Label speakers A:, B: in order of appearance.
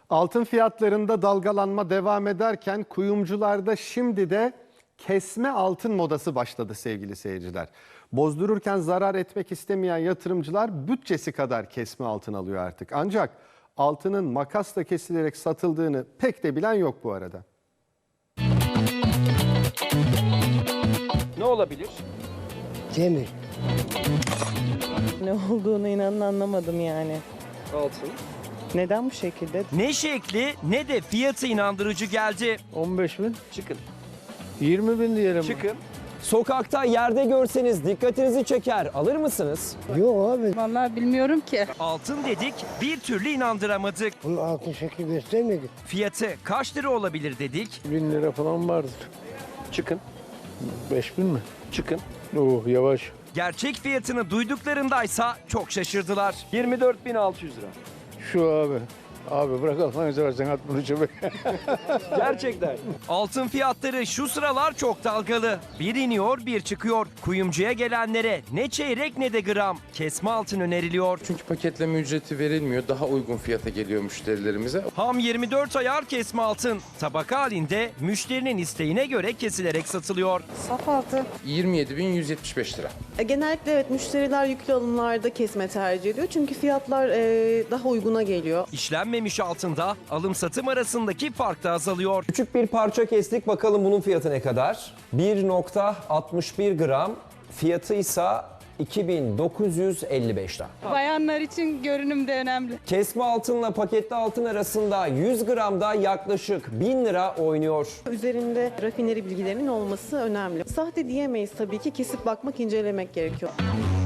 A: Altın fiyatlarında dalgalanma devam ederken kuyumcularda şimdi de kesme altın modası başladı sevgili seyirciler. Bozdururken zarar etmek istemeyen yatırımcılar bütçesi kadar kesme altın alıyor artık. Ancak altının makasla kesilerek satıldığını pek de bilen yok bu arada.
B: Ne olabilir?
C: Demir.
D: Ne olduğunu inanın anlamadım yani.
B: Altın.
D: Neden bu şekilde?
E: Ne şekli ne de fiyatı inandırıcı geldi.
C: 15 bin.
B: Çıkın.
C: 20 bin diyelim.
B: Çıkın.
F: Sokakta yerde görseniz dikkatinizi çeker. Alır mısınız?
C: Yok abi.
G: Vallahi bilmiyorum ki.
E: Altın dedik bir türlü inandıramadık.
C: Bunun altın şekli göstermedi.
E: Fiyatı kaç lira olabilir dedik.
C: 1000 lira falan vardır.
B: Çıkın.
C: 5000 mi?
B: Çıkın.
C: Oh yavaş.
E: Gerçek fiyatını duyduklarındaysa çok şaşırdılar.
B: 24.600 lira.
C: Şu abi. Abi bırak Allah'ını seversen at bunu çöpe.
B: Gerçekten.
E: Altın fiyatları şu sıralar çok dalgalı. Bir iniyor bir çıkıyor. Kuyumcuya gelenlere ne çeyrek ne de gram kesme altın öneriliyor.
H: Çünkü paketleme ücreti verilmiyor. Daha uygun fiyata geliyor müşterilerimize.
E: Ham 24 ayar kesme altın. Tabaka halinde müşterinin isteğine göre kesilerek satılıyor.
G: Saf altı.
H: 27.175 lira.
D: Genellikle evet müşteriler yüklü alımlarda kesme tercih ediyor. Çünkü fiyatlar daha uyguna geliyor.
E: İşlenmemiş altında alım satım arasındaki fark da azalıyor.
F: Küçük bir parça kestik. Bakalım bunun fiyatı ne kadar? 1.61 gram. Fiyatı ise 2955 lira.
G: Bayanlar için görünüm de önemli.
F: Kesme altınla paketli altın arasında 100 gramda yaklaşık 1000 lira oynuyor.
D: Üzerinde rafineri bilgilerinin olması önemli. Sahte diyemeyiz tabii ki. Kesip bakmak, incelemek gerekiyor.